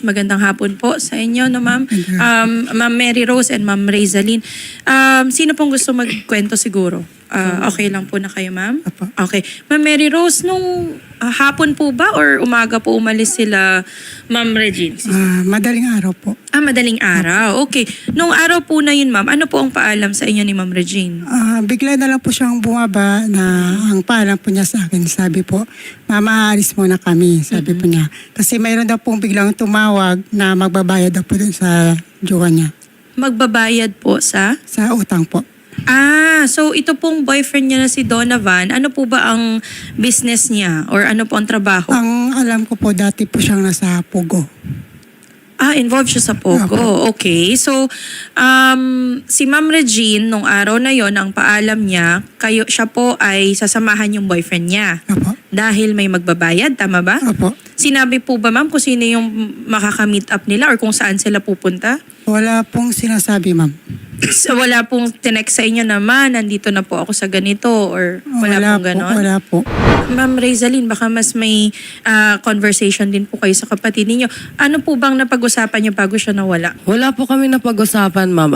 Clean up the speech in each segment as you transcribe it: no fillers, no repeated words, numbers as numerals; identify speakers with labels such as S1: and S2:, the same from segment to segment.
S1: Magandang hapon po sa inyo, no, ma'am. Ma'am Mary Rose and Ma'am Razaline. Sino pong gusto magkwento siguro? Okay lang po na kayo, ma'am?
S2: Apo.
S1: Okay. Ma'am Mary Rose, nung hapon po ba or umaga po umalis sila, Ma'am Regine?
S2: Madaling araw po.
S1: Madaling araw. Okay. Nung araw po na yun, ma'am, ano po ang paalam sa inyo ni Ma'am Regine?
S2: Bigla na lang po siyang bumaba na ang paalam po niya sa akin. Sabi po, mama, aalis muna kami. Sabi po niya. Kasi mayroon daw pong biglang tumawag na magbabayad daw po dun sa jowa niya.
S1: Magbabayad po sa?
S2: Sa utang po.
S1: So ito pong boyfriend niya na si Donovan, ano po ba ang business niya or ano po ang trabaho?
S2: Ang alam ko po, dati po siyang nasa Pugo.
S1: Involved siya sa Pogo. Okay. So, si Ma'am Regine, nung araw na yon ang paalam niya, siya po ay sasamahan yung boyfriend niya.
S2: Opo.
S1: Dahil may magbabayad, tama ba?
S2: Opo.
S1: Sinabi po ba, ma'am, kung sino yung makaka-meet up nila or kung saan sila pupunta?
S2: Wala pong sinasabi, ma'am.
S1: So, wala pong tinext sa inyo naman, nandito na po ako sa ganito or wala pong ganon?
S2: Wala po.
S1: Ma'am Razaline, baka mas may conversation din po kayo sa kapatid ninyo. Ano po bang napag-usapan niyo bago siya nawala?
S3: Wala po kami napag-usapan, ma'am.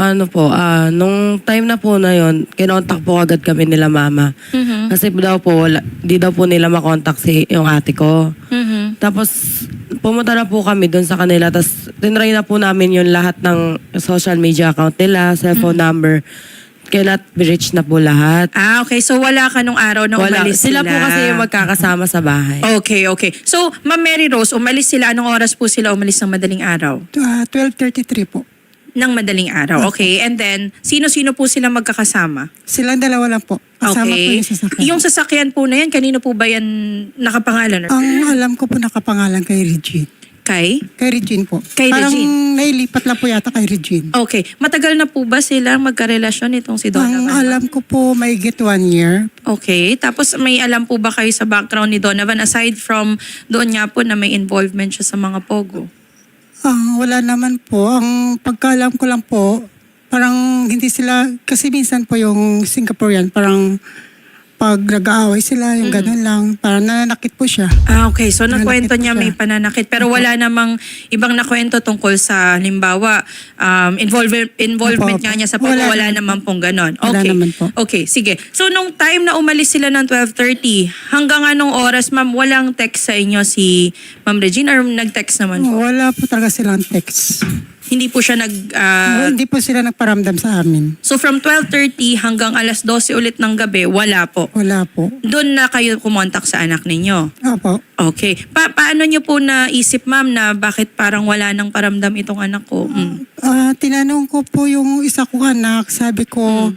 S3: Nung time na po na yon, kinontak po agad kami nila mama. Kasi daw po, di daw po nila makontak yung ate ko. Tapos, pumunta na po kami doon sa kanila. Tapos, tinry na po namin yung lahat ng social media account nila, cellphone number. Cannot be reached na po lahat.
S1: Okay. So, wala ka nung araw na umalis sila?
S3: Sila po kasi yung magkakasama sa bahay.
S1: Okay. So, Ma'am Mary Rose, umalis sila. Anong oras po sila umalis ng madaling araw?
S2: 12:33 po.
S1: Ng madaling araw. Okay. And then, sino-sino po sila magkakasama?
S2: Silang dalawa lang po. Kasama po yung sasakyan.
S1: Yung sasakyan po na yan, kanino po ba yan nakapangalan?
S2: Ang alam ko po nakapangalan kay Regine.
S1: Kay?
S2: Kay Regine po.
S1: Kay
S2: Parang
S1: Regine.
S2: nailipat lang po yata kay Regine.
S1: Okay. Matagal na po ba sila magkarelasyon itong si Donovan?
S2: Ang alam ko po may get 1 year.
S1: Okay. Tapos may alam po ba kayo sa background ni Donovan aside from doon nga po na may involvement siya sa mga pogo?
S2: Wala naman po. Ang pagkaalam ko lang po, parang hindi sila, kasi minsan po yung Singaporean, parang pag nag-aaway sila, yung gano'n lang, parang nananakit po siya.
S1: Okay. So, nakwento
S2: Nananakit
S1: niya
S2: po
S1: may
S2: siya.
S1: pananakit. Pero wala namang ibang nakwento tungkol sa, halimbawa, involvement
S2: Opo.
S1: nga niya sa pogo. Wala naman pong ganon.
S2: Wala
S1: Okay.
S2: naman po.
S1: Okay, sige. So, nung time na umalis sila ng 12:30, hanggang anong oras, ma'am, walang text sa inyo si Ma'am Regine or nag-text naman po?
S2: Wala po talaga silang text.
S1: Hindi po siya
S2: Hindi po sila nagparamdam sa amin.
S1: So, from 12:30 hanggang alas 12 ulit ng gabi, wala po.
S2: Wala po.
S1: Doon na kayo kumontak sa anak ninyo.
S2: Opo.
S1: Okay. Paano niyo po naisip, ma'am, na bakit parang wala nang paramdam itong anak ko?
S2: Tinanong ko po yung isa kong anak, sabi ko,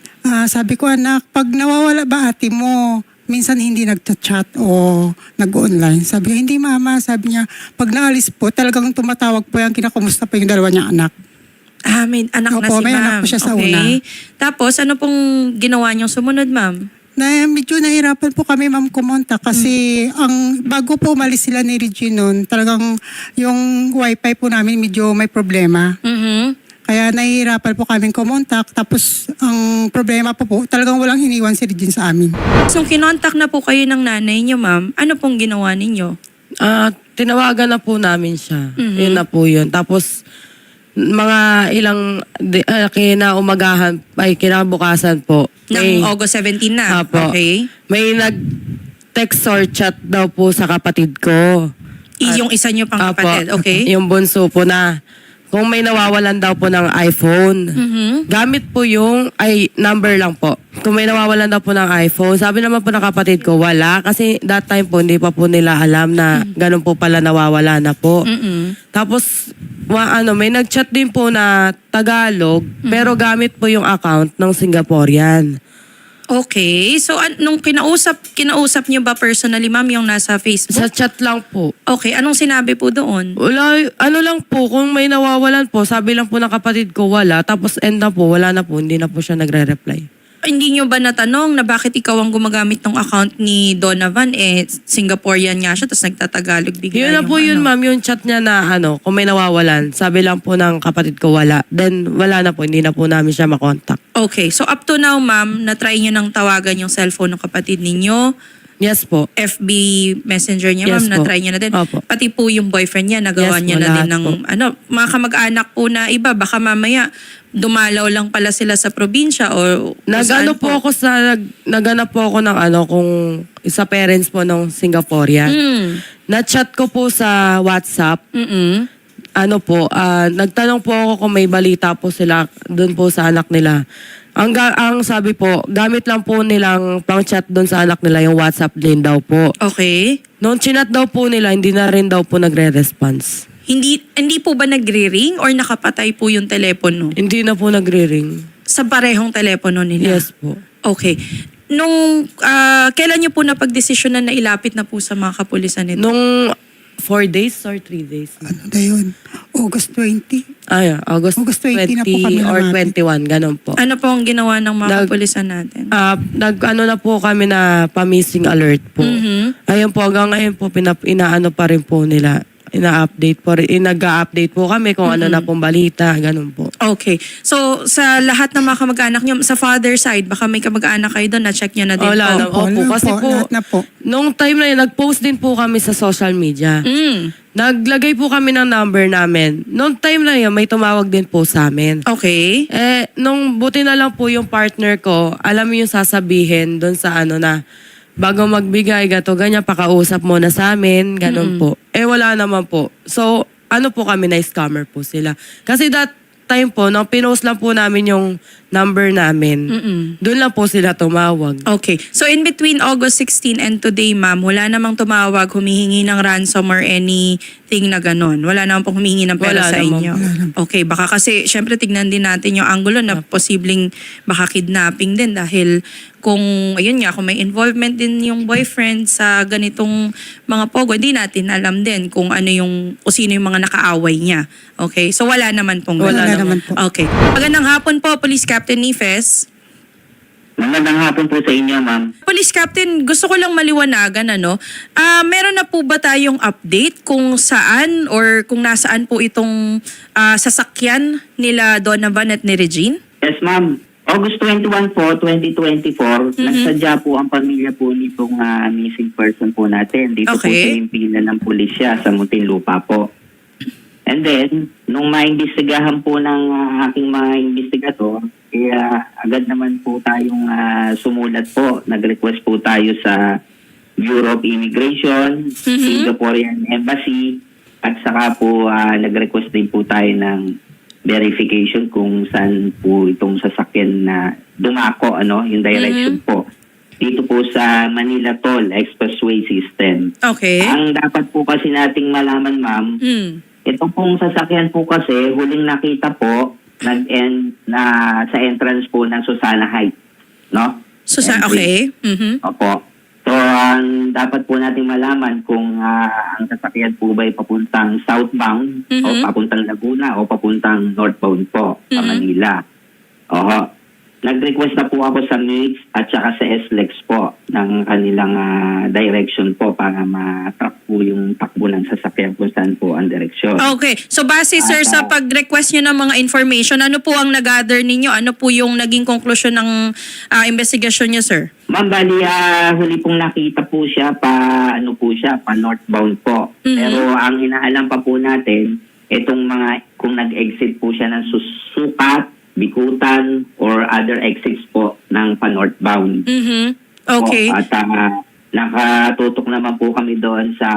S2: anak, pag nawawala ba ate mo, minsan hindi nagchat-chat o nag-online. Sabi niya, hindi mama, sabi niya, pag naalis po, talagang tumatawag po yan, kinakamusta po yung dalawa niyang anak.
S1: May anak na si
S2: Opo, may
S1: ma'am.
S2: anak po siya sa
S1: Okay.
S2: una.
S1: Tapos, ano pong ginawa niyong sumunod, ma'am?
S2: Medyo nahirapan po kami ma'am kumonta kasi bago po umalis sila ni Regine noon, talagang yung wifi po namin medyo may problema. Kaya nahihirapan po kami kumontak. Tapos ang problema po, talagang walang iniwan si Regine sa amin.
S1: So, kinontak na po kayo ng nanay niyo, ma'am. Ano pong ginawa ninyo?
S3: Tinawagan na po namin siya. Yun na po yun. Tapos, mga ilang kinabukasan po.
S1: Ng August 17 na?
S3: Apo.
S1: Okay.
S3: May nag-text or chat daw po sa kapatid ko.
S1: Yung isa niyo pang
S3: Apo.
S1: kapatid, okay?
S3: Yung bunso po na kung may nawawalan daw po ng iPhone. Gamit po yung number lang po. Kung may nawawalan daw po ng iPhone, sabi naman po ng kapatid ko, wala. Kasi that time po, hindi pa po nila alam na ganun po pala nawawala na po. Tapos, may nag-chat din po na Tagalog, pero gamit po yung account ng Singaporean.
S1: Okay. So, nung kinausap niyo ba personally, ma'am, yung nasa Facebook?
S3: Sa chat lang po.
S1: Okay. Anong sinabi po doon?
S3: Wala, lang po, kung may nawawalan po, sabi lang po ng kapatid ko, wala. Tapos end na po, wala na po, hindi na po siya nagre-reply.
S1: Hindi niyo ba natanong na bakit ikaw ang gumagamit ng account ni Donovan? Singaporean nga siya, tapos nagtatagalog bigla.
S3: Yun na po yun, ma'am, yung chat niya na kung may nawawalan, sabi lang po ng kapatid ko, wala. Then, wala na po, hindi na po namin siya makontak.
S1: Okay. So, up to now, ma'am, na-try niyo nang tawagan yung cellphone ng kapatid ninyo?
S3: Yes po.
S1: FB Messenger niya,
S3: Yes
S1: ma'am,
S3: po.
S1: na-try niya na din.
S3: Opo.
S1: Pati po yung boyfriend niya, nagawa
S3: Yes
S1: niya
S3: po,
S1: na din
S3: lahat
S1: ng,
S3: po.
S1: mga kamag-anak po na iba, baka mamaya dumalaw lang pala sila sa probinsya o
S3: Nagano po ako naganap po ako ng kung isa parents po ng Singaporean. Na-chat ko po sa WhatsApp. Nagtanong po ako kung may balita po sila doon po sa anak nila. Ang sabi po, gamit lang po nilang pang-chat doon sa anak nila yung WhatsApp din daw po.
S1: Okay.
S3: Noong chinat daw po nila, hindi na rin daw po nagre-response.
S1: Hindi po ba nagre-ring or nakapatay po yung telepono?
S3: Hindi na po nagre-ring.
S1: Sa parehong telepono nila?
S3: Yes po.
S1: Okay. Kailan niyo po napagdesisyonan na ilapit na po sa mga kapulisan nito?
S3: Nung 4 days or 3 days?
S2: Ano na yun? August 20.
S3: August
S2: August
S3: 20
S2: 20 na po kami
S3: or
S2: lumapit.
S3: 21, ganun po.
S1: Ano po ang ginawa ng mga
S3: Nag-
S1: kapulisan natin?
S3: Nag-ano na po kami na pa-missing alert po. Ayun po, hanggang ngayon po, inaano pa rin po nila. Ina-update po rin. Nag-a-update po kami kung ano na pong balita, ganun po.
S1: Okay. So, sa lahat ng mga kamag-anak niyo, sa father side, baka may kamag-anak kayo doon, na-check niyo na din
S3: Wala na.
S1: po.
S3: Opo,
S2: Wala
S3: kasi po,
S2: lahat na po.
S3: nung time na yun, nag-post din po kami sa social media.
S1: Mm.
S3: Naglagay po kami ng number namin. Nung time na yun, may tumawag din po sa amin.
S1: Okay.
S3: Nung buti na lang po yung partner ko, alam mo yung sasabihin doon sa na, bago magbigay, ganyan, pakausap mo na sa amin, ganun po. Wala naman po. So, po kami, na-scammer po sila. Kasi that time po, nung pinost lang po namin yung number namin, doon lang po sila tumawag.
S1: Okay. So, in between August 16 and today, ma'am, wala namang tumawag, humihingi ng ransom or anything na ganon. Wala namang pong humihingi ng pera
S3: Wala
S1: sa
S3: naman.
S1: inyo. Okay. Baka kasi, syempre, tignan din natin yung angulo na posibleng baka kidnapping din dahil kung, ayun nga, kung may involvement din yung boyfriend sa ganitong mga pogo, hindi natin alam din kung ano yung, o sino yung mga nakaaway niya. Okay? So, wala naman pong
S2: Wala
S1: ganon.
S2: naman po.
S1: Okay. Magandang hapon po, Police Captain Nifes.
S4: Magandang hapon po sa inyo, ma'am.
S1: Police Captain, gusto ko lang maliwanagan, meron na po ba tayong update kung saan or kung nasaan po itong sasakyan nila Donovan at ni Regine?
S4: Yes, ma'am. August 21 po, 2024, nagsadya po ang pamilya po nitong missing person po natin. Dito po
S1: Okay.
S4: sa impilan ng pulisya sa Muntinlupa po. And then, nung maimbestigahan po ng aking mga investigator, agad naman po tayong sumulat po. Nag-request po tayo sa Bureau of Immigration, Singaporean Embassy, at saka po nag-request din po tayo ng verification kung saan po itong sasakyan na dumako, yung direction po. Dito po sa Manila Toll Expressway System.
S1: Okay.
S4: Ang dapat po kasi nating malaman, ma'am, ito pong sasakyan po kasi huling nakita po nag-end na sa entrance po ng Susana Heights, no?
S1: Okay.
S4: Opo. So, ang dapat po nating malaman kung ang sasakyan po ba ay papuntang southbound o papuntang Laguna o papuntang northbound po sa Manila. Oho. Nag-request na po ako sa MIX at saka sa SLEX po ng kanilang direction po para ma-track po yung takbo ng sasakyan kung saan po ang direksyon.
S1: Okay. So base sir sa pag-request nyo ng mga information, ano po ang nag-gather ninyo? Ano po yung naging conclusion ng investigasyon nyo, sir?
S4: Ma'am, bali, huli pong nakita po siya pa northbound po. Pero ang inaalam pa po natin, itong kung nag-exit po siya ng Sukat, Bikutan, or other exits po ng pa-northbound.
S1: Okay.
S4: Po. At nakatutok naman po kami doon sa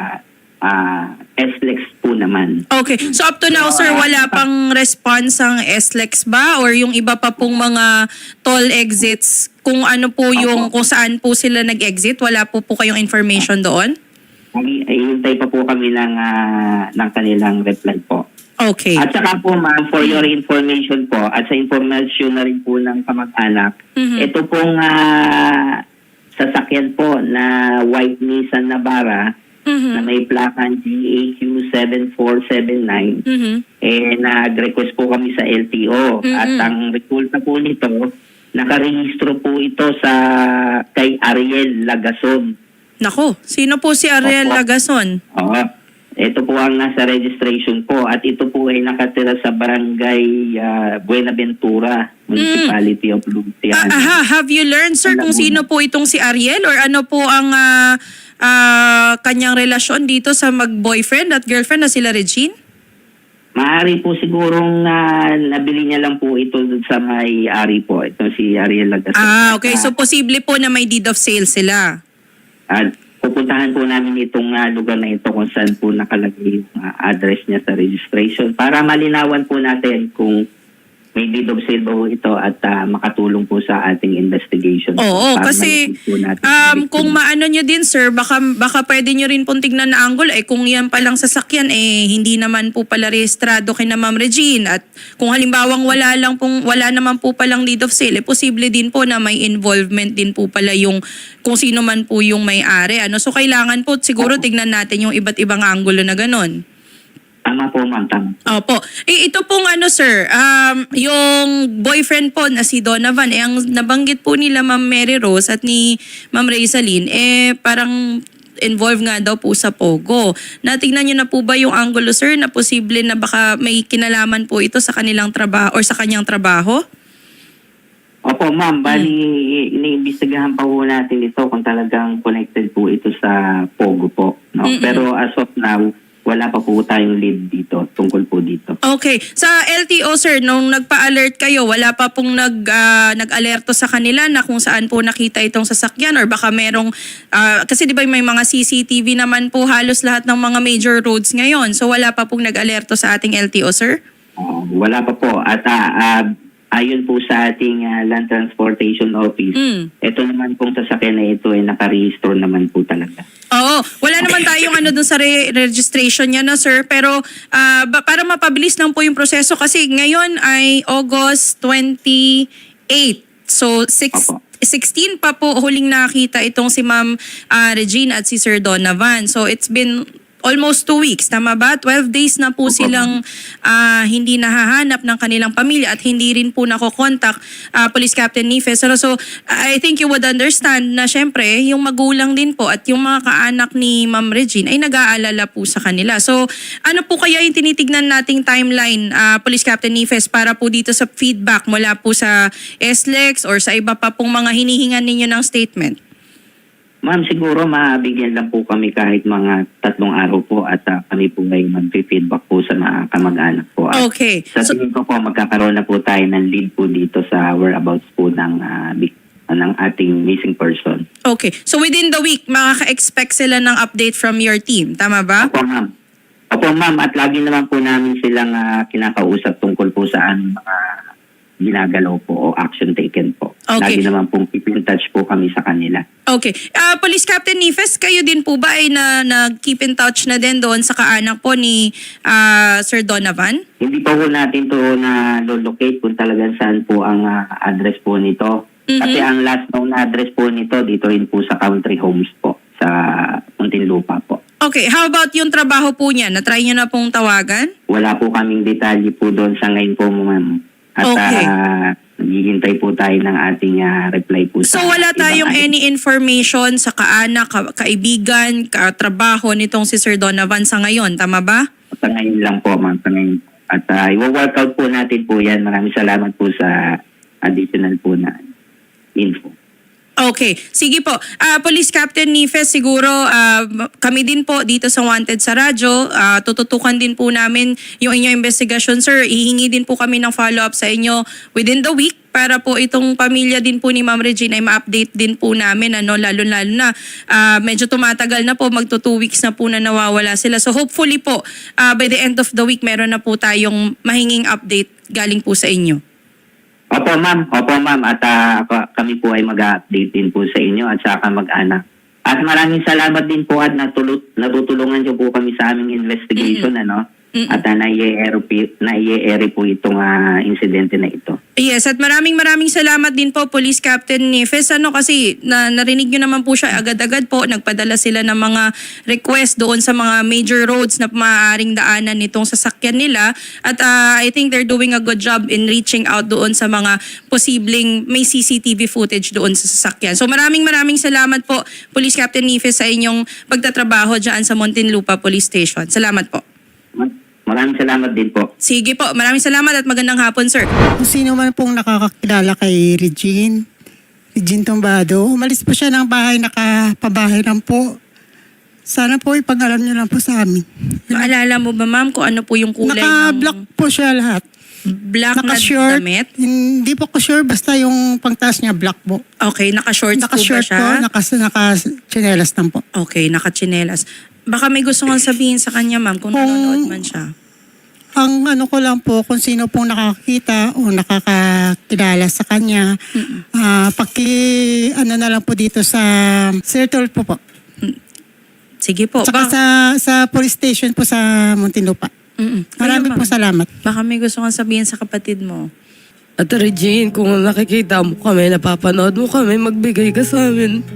S4: SLEX po naman.
S1: Okay. So up to now, sir, wala pang response ang SLEX ba? Or yung iba pa pong mga toll exits, kung ano po yung, kung saan po sila nag-exit, wala po kayong information doon?
S4: Hintay pa po kami ng kanilang reply po.
S1: Okay.
S4: At saka po, ma'am, for your information po, at sa information na rin po ng kamag-anak, ito pong sasakyan po na white Nissan Navara na may plakan GAQ 7479, nag-request po kami sa LTO. At ang resulta po nito, nakarehistro po ito kay Ariel Lagason.
S1: Nako, sino po si Ariel
S4: Opo.
S1: Lagason?
S4: Oo. Ito po ang nasa registration po at ito po ay nakatira sa barangay Buenaventura, Municipality of Luciana.
S1: Have you learned, sir, kung sino po itong si Ariel or ano po ang kanyang relasyon dito sa mag-boyfriend at girlfriend na sila Regine?
S4: Maaari po sigurong nabili niya lang po ito dun sa may-ari po. Ito si Ariel Lagasol.
S1: Okay. So, posible po na may deed of sale sila.
S4: At pupuntahan po namin itong lugar na ito kung saan po nakalagay yung address niya sa registration para malinawan po natin kung may deed of sale ba po ito at makatulong po sa ating investigation.
S1: Oo,
S4: Para
S1: kasi
S4: malapit po natin
S1: kung maano nyo din, sir, baka pwede nyo rin pong tignan na angle. Kung yan palang sasakyan, hindi naman po pala rehistrado kay na Ma'am Regine. At kung halimbawang wala naman po palang deed of sale, posible din po na may involvement din po pala yung kung sino man po yung may-ari. So kailangan po siguro tignan natin yung iba't ibang angulo na ganon.
S4: Tama po, ma'am. Tama.
S1: Opo. Ito pong sir, yung boyfriend po na si Donovan, ang nabanggit po nila Ma'am Mary Rose at ni Ma'am Rizalyn, parang involved nga daw po sa Pogo. Natignan nyo na po ba yung angulo, sir, na posible na baka may kinalaman po ito sa kanilang trabaho or sa kanyang trabaho?
S4: Opo, ma'am. Bali, iniimbestigahan pa po natin ito kung talagang connected po ito sa Pogo po. No? Pero as of now, wala pa po tayong lead dito, tungkol po dito.
S1: Okay. Sa LTO, sir, nung nagpa-alert kayo, wala pa pong nag-alerto sa kanila na kung saan po nakita itong sasakyan or baka merong, kasi di ba may mga CCTV naman po halos lahat ng mga major roads ngayon. So wala pa pong nag-alerto sa ating LTO, sir?
S4: Wala pa po. At ayon po sa ating Land Transportation Office, ito naman pong sasakyan na ito ay nakarehistro naman po talaga.
S1: Oo. Wala naman tayong dun sa registration niya na, sir. Pero para mapabilis lang po yung proseso kasi ngayon ay August 28. So, 16 pa po huling nakita itong si Ma'am Regine at si Sir Donovan. So, it's been almost 2 weeks, tama ba? 12 days na po silang hindi nahahanap ng kanilang pamilya at hindi rin po nakokontak Police Captain Nifes. So, I think you would understand na syempre, yung magulang din po at yung mga kaanak ni Ma'am Regine ay nag-aalala po sa kanila. So, ano po kaya yung tinitignan nating timeline, Police Captain Nifes, para po dito sa feedback mula po sa SLEX or sa iba pa pong mga hinihingan ninyo ng statement?
S4: Ma'am, siguro mabigyan lang po kami kahit mga 3 araw po at kami po ay mag-feedback po sa mga kamag-anak po. At
S1: Okay.
S4: sa tingin ko po, magkakaroon na po tayo ng lead po dito sa whereabouts po ng ating missing person.
S1: Okay. So within the week, makaka-expect sila ng update from your team. Tama ba?
S4: Opo, ma'am. Opo, ma'am. At lagi naman po namin silang kinakausap tungkol po sa mga ginagalaw po o action taken po.
S1: Okay.
S4: Lagi naman pong keep in touch po kami sa kanila.
S1: Okay. Police Captain Nifes, kayo din po ba ay nag-keep in touch na din doon sa kaanak po ni Sir Donovan?
S4: Hindi pa po natin to na-locate kung talagang saan po ang address po nito. Kasi ang last known address po nito dito rin po sa Country Homes po sa Muntinlupa po.
S1: Okay. How about yung trabaho po niya? Na-try niyo na pong tawagan?
S4: Wala po kaming detalye po doon sa ngayon po, ma'am. At
S1: Okay.
S4: naghihintay po tayo ng ating reply po
S1: So
S4: sa
S1: wala
S4: ibang
S1: tayong
S4: address.
S1: any information sa kaanak, kaibigan, katrabaho nitong si Sir Donovan sa ngayon. Tama ba?
S4: Sa ngayon lang po, ma'am. Sa ngayon. At i-work out po natin po yan. Maraming salamat po sa additional po na info.
S1: Okay. Sige po. Police Captain Nifes, siguro kami din po dito sa Wanted sa radyo, tututukan din po namin yung inyong investigasyon, sir. Ihingi din po kami ng follow-up sa inyo within the week para po itong pamilya din po ni Ma'am Regine ay ma-update din po namin, lalo-lalo na medyo tumatagal na po, magto 2 weeks na po na nawawala sila. So hopefully po, by the end of the week, meron na po tayong mahinging update galing po sa inyo.
S4: Opo, ma'am. Opo, ma'am. At kami po ay mag-update din po sa inyo at sa kamag-anak. At maraming salamat din po at natutulungan niyo po kami sa aming investigation. at nai-ere po itong insidente na ito.
S1: Yes, at maraming salamat din po Police Captain Nifes kasi narinig nyo naman po siya agad-agad po, nagpadala sila ng mga request doon sa mga major roads na maaaring daanan nitong sasakyan nila at I think they're doing a good job in reaching out doon sa mga posibleng may CCTV footage doon sa sasakyan. So maraming salamat po Police Captain Nifes sa inyong pagtatrabaho dyan sa Muntinlupa Police Station. Salamat po.
S4: Maraming salamat din po.
S1: Sige po, maraming salamat at magandang hapon sir.
S2: Kung sino man pong nakakakilala kay Regine Tumbado, umalis po siya ng bahay, nakapabahay lang po. Sana po ipag-alam niyo lang po sa amin.
S1: Maalala mo ba ma'am kung ano po yung kulay
S2: Naka-block po siya lahat.
S1: black na
S2: Naka-short.
S1: damit?
S2: Hindi po ko sure, basta yung pangtaas niya black po.
S1: Okay, naka-shorts po ba
S2: Naka-short
S1: siya?
S2: po, naka-chinelas lang po.
S1: Okay, naka-chinelas. Baka may gusto kong sabihin sa kanya ma'am kung nanonood man siya.
S2: Ang ano ko lang po, kung sino pong nakakita o nakakakilala sa kanya, ano na lang po dito sa Circle po.
S1: Sige po.
S2: Saka sa police station po sa Muntinlupa. Maraming po salamat.
S1: Baka may gusto kong sabihin sa kapatid mo.
S3: At Regine, kung nakikita mo kami, napapanood mo kami, magbigay ka sa amin.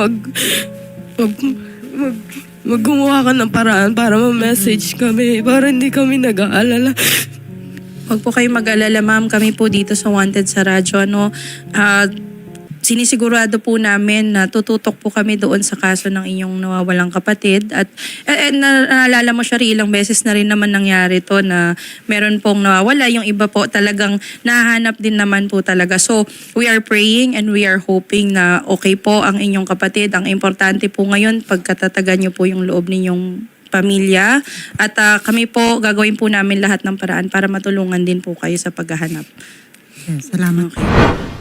S3: Mag gumawa ka ng paraan para ma-message kami, para hindi kami nag-aalala.
S1: Huwag po kayo mag-alala ma'am, kami po dito sa Wanted sa radyo. Sinisigurado po namin na tututok po kami doon sa kaso ng inyong nawawalang kapatid. At naalala mo siya ilang beses na rin naman nangyari to na meron pong nawawala. Yung iba po talagang nahanap din naman po talaga. So we are praying and we are hoping na okay po ang inyong kapatid. Ang importante po ngayon, pagkatatagan niyo po yung loob ninyong pamilya. At kami po, gagawin po namin lahat ng paraan para matulungan din po kayo sa paghahanap.
S2: Yes, salamat.
S1: Okay.